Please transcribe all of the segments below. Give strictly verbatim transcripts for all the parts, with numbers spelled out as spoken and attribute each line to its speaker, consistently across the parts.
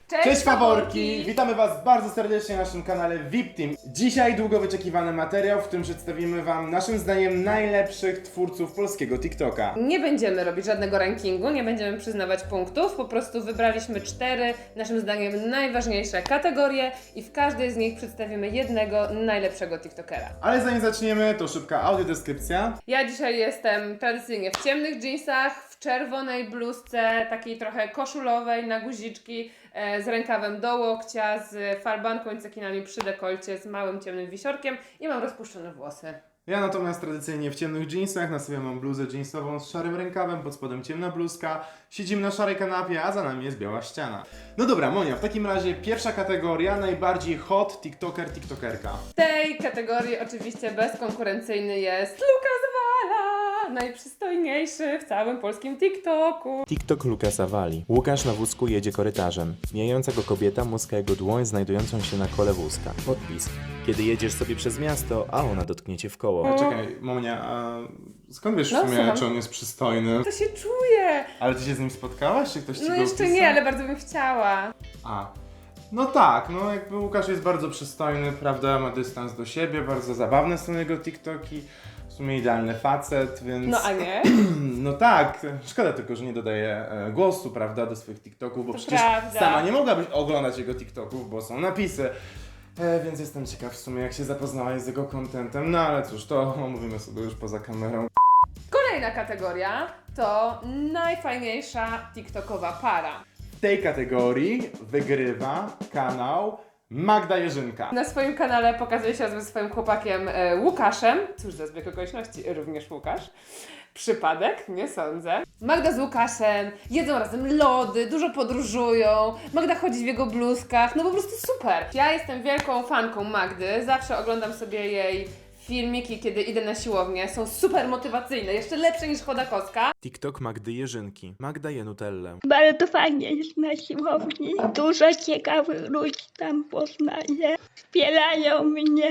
Speaker 1: Cześć,
Speaker 2: Cześć faworki!
Speaker 1: faworki!
Speaker 2: Witamy Was bardzo serdecznie na naszym kanale V I P Team. Dzisiaj długo wyczekiwany materiał, w którym przedstawimy Wam naszym zdaniem najlepszych twórców polskiego TikToka.
Speaker 1: Nie będziemy robić żadnego rankingu, nie będziemy przyznawać punktów, po prostu wybraliśmy cztery, naszym zdaniem najważniejsze kategorie i w każdej z nich przedstawimy jednego najlepszego TikTokera.
Speaker 2: Ale zanim zaczniemy, to szybka audiodeskrypcja.
Speaker 1: Ja dzisiaj jestem tradycyjnie w ciemnych dżinsach, w czerwonej bluzce, takiej trochę koszulowej na guziczki, e, z rękawem do łokcia, z falbanką i cekinami przy dekolcie, z małym ciemnym wisiorkiem i mam rozpuszczone włosy.
Speaker 2: Ja natomiast tradycyjnie w ciemnych jeansach, na sobie mam bluzę jeansową z szarym rękawem, pod spodem ciemna bluzka, siedzimy na szarej kanapie, a za nami jest biała ściana. No dobra, Monia, w takim razie pierwsza kategoria, najbardziej hot TikToker, TikTokerka.
Speaker 1: W tej kategorii oczywiście bezkonkurencyjny jest Lukas Wala, najprzystojniejszy w całym polskim TikToku.
Speaker 3: TikTok Lukasa Wali. Łukasz na wózku jedzie korytarzem. Mijająca go kobieta muska jego dłoń znajdującą się na kole wózka. Podpis. Kiedy jedziesz sobie przez miasto, a ona dotknie cię w koło.
Speaker 2: A czekaj, Monia, a skąd wiesz w
Speaker 1: No,
Speaker 2: sumie,
Speaker 1: słucham.
Speaker 2: czy on jest przystojny?
Speaker 1: To się czuje.
Speaker 2: Ale ty się z nim spotkałaś, czy ktoś ci
Speaker 1: No
Speaker 2: go
Speaker 1: jeszcze
Speaker 2: opisał?
Speaker 1: nie, ale bardzo bym chciała.
Speaker 2: A, no tak, no jakby Łukasz jest bardzo przystojny, prawda, ma dystans do siebie, bardzo zabawne są jego TikToki, w sumie idealny facet, więc...
Speaker 1: No a nie?
Speaker 2: No tak, szkoda tylko, że nie dodaje e, głosu, prawda, do swoich TikToków, bo
Speaker 1: To
Speaker 2: przecież
Speaker 1: prawda.
Speaker 2: sama nie mogłabyś oglądać jego TikToków, bo są napisy. E, więc jestem ciekaw w sumie, jak się zapoznałaś z jego contentem, no ale cóż, to omówimy sobie już poza kamerą.
Speaker 1: Kolejna kategoria to najfajniejsza TikTokowa para.
Speaker 2: W tej kategorii wygrywa kanał Magda Jerzynka.
Speaker 1: Na swoim kanale pokazuje się ze swoim chłopakiem e, Łukaszem. Cóż za zbieg okoliczności, również Łukasz. Przypadek? Nie sądzę. Magda z Łukaszem jedzą razem lody, dużo podróżują. Magda chodzi w jego bluzkach, no po prostu super. Ja jestem wielką fanką Magdy, zawsze oglądam sobie jej filmiki, kiedy idę na siłownię. Są super motywacyjne, jeszcze lepsze niż Chodakowska.
Speaker 3: TikTok Magdy Jerzynki. Magda je Nutellę.
Speaker 4: Bardzo fajnie jest na siłowni. Dużo ciekawych ludzi tam poznaję. Wspierają mnie,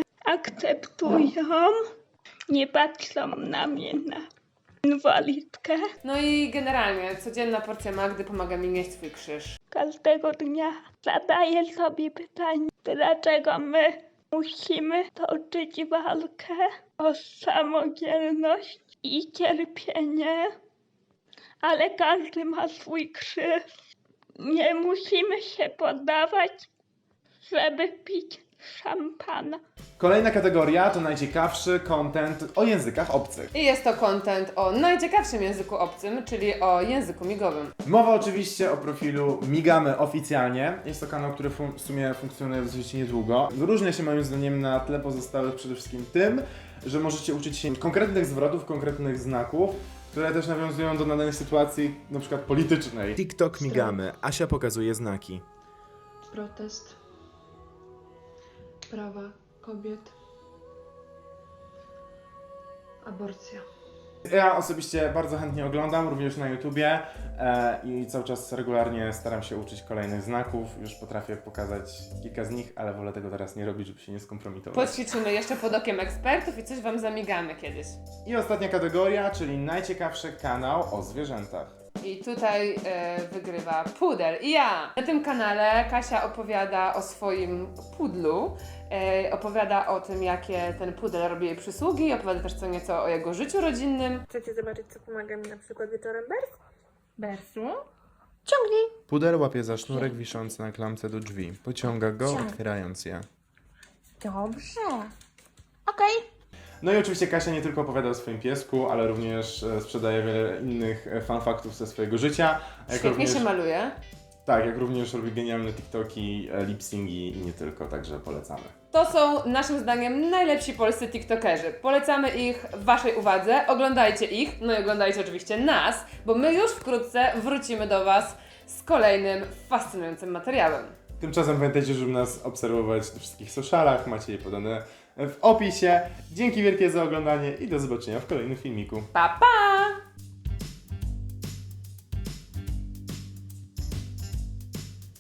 Speaker 4: akceptują. Nie patrzą na mnie na inwalidkę.
Speaker 1: No i generalnie codzienna porcja Magdy pomaga mi nieść swój krzyż.
Speaker 4: Każdego dnia zadaję sobie pytanie, dlaczego my musimy toczyć walkę o samodzielność i cierpienie, ale każdy ma swój krzyż. Nie musimy się poddawać, żeby pić szampana.
Speaker 2: Kolejna kategoria to najciekawszy content o językach obcych.
Speaker 1: I jest to content o najciekawszym języku obcym, czyli o języku migowym.
Speaker 2: Mowa oczywiście o profilu Migamy oficjalnie. Jest to kanał, który fun- w sumie funkcjonuje dosyć niedługo. Wyróżnia się moim zdaniem na tle pozostałych przede wszystkim tym, że możecie uczyć się konkretnych zwrotów, konkretnych znaków, które też nawiązują do danej sytuacji, na przykład politycznej.
Speaker 3: TikTok Migamy. Asia pokazuje znaki.
Speaker 5: Protest prawa kobiet, aborcja.
Speaker 2: Ja osobiście bardzo chętnie oglądam, również na YouTubie e, i cały czas regularnie staram się uczyć kolejnych znaków. Już potrafię pokazać kilka z nich, ale wolę tego teraz nie robić, żeby się nie skompromitować.
Speaker 1: Poćwiczymy jeszcze pod okiem ekspertów i coś Wam zamigamy kiedyś.
Speaker 2: I ostatnia kategoria, czyli najciekawszy kanał o zwierzętach.
Speaker 1: I tutaj e, wygrywa pudel. I ja! Na tym kanale Kasia opowiada o swoim pudlu, e, opowiada o tym, jakie ten pudel robi jej przysługi, opowiada też co nieco o jego życiu rodzinnym.
Speaker 6: Chcecie zobaczyć, co pomaga mi na przykład wieczorem Bers? Bersu?
Speaker 2: Pudel łapie za sznurek wiszący na klamce do drzwi. Pociąga go,
Speaker 6: Ciąg.
Speaker 2: otwierając je.
Speaker 6: Dobrze. Okej.
Speaker 2: No i oczywiście Kasia nie tylko opowiada o swoim piesku, ale również e, sprzedaje wiele innych e, fanfaktów ze swojego życia. A jak
Speaker 1: Świetnie
Speaker 2: również,
Speaker 1: się maluje.
Speaker 2: Tak, jak również robi genialne TikToki, e, lip-syngi i nie tylko, także polecamy.
Speaker 1: To są naszym zdaniem najlepsi polscy TikTokerzy. Polecamy ich Waszej uwadze, oglądajcie ich, no i oglądajcie oczywiście nas, bo my już wkrótce wrócimy do Was z kolejnym fascynującym materiałem.
Speaker 2: Tymczasem pamiętajcie, żeby nas obserwować na wszystkich socialach, macie je podane w opisie. Dzięki wielkie za oglądanie i do zobaczenia w kolejnym filmiku.
Speaker 1: Pa, pa!